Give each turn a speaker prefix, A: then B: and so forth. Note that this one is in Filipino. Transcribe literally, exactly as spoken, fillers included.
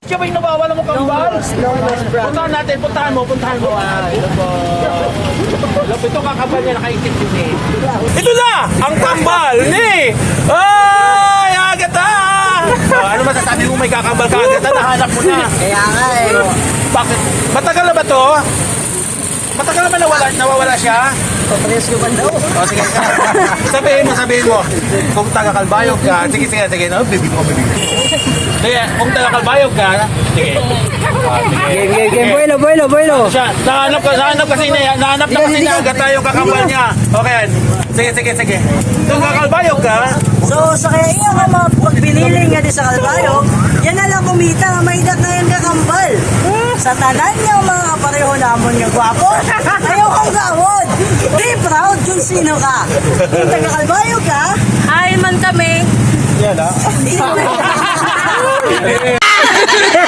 A: Siya ba yung nawawala mo kambal? Puntahan natin, puntahan mo, puntahan mo. Ah, ito po. Ito kakambal niya, nakaisip yun eh. Ito na! Ang kambal ni! Ay, Agata! Oh, ano masasabi mo may kakambal ka, Agata? Nahanap mo na.
B: Kaya nga eh.
A: Bakit? Matagal na ba to? Matagal na ba nawala, nawawala siya?
B: Papares ko ba daw?
A: O sige, sabihin mo, sabihin mo. Kung taga-Kalbayog ka, sige, sige, sige. No, baby ko, baby ko. Sige, kung taga-Kalbayog ka, sige. Ah, sige.
B: Game, game, game. Boylo, boylo, boylo.
A: Siya, nahanap ka, nahanap kasi niya, nahanap na kasi niya agad tayo kakambal niya. Okay, sige, sige, sige. Kung kakalbayog ka,
B: So, sa kaya iyo nga mga pagbinili nga di sa Kalbayog, yan na lang kumita nga may dat na yung kakambal. Sa tanan niya mga kapareho namon nga gwapo, ayaw kang gawod. Be proud kung sino ka. Kung taga Kalbayog ka,
C: Hi man kami.
A: yan ah.
B: hindi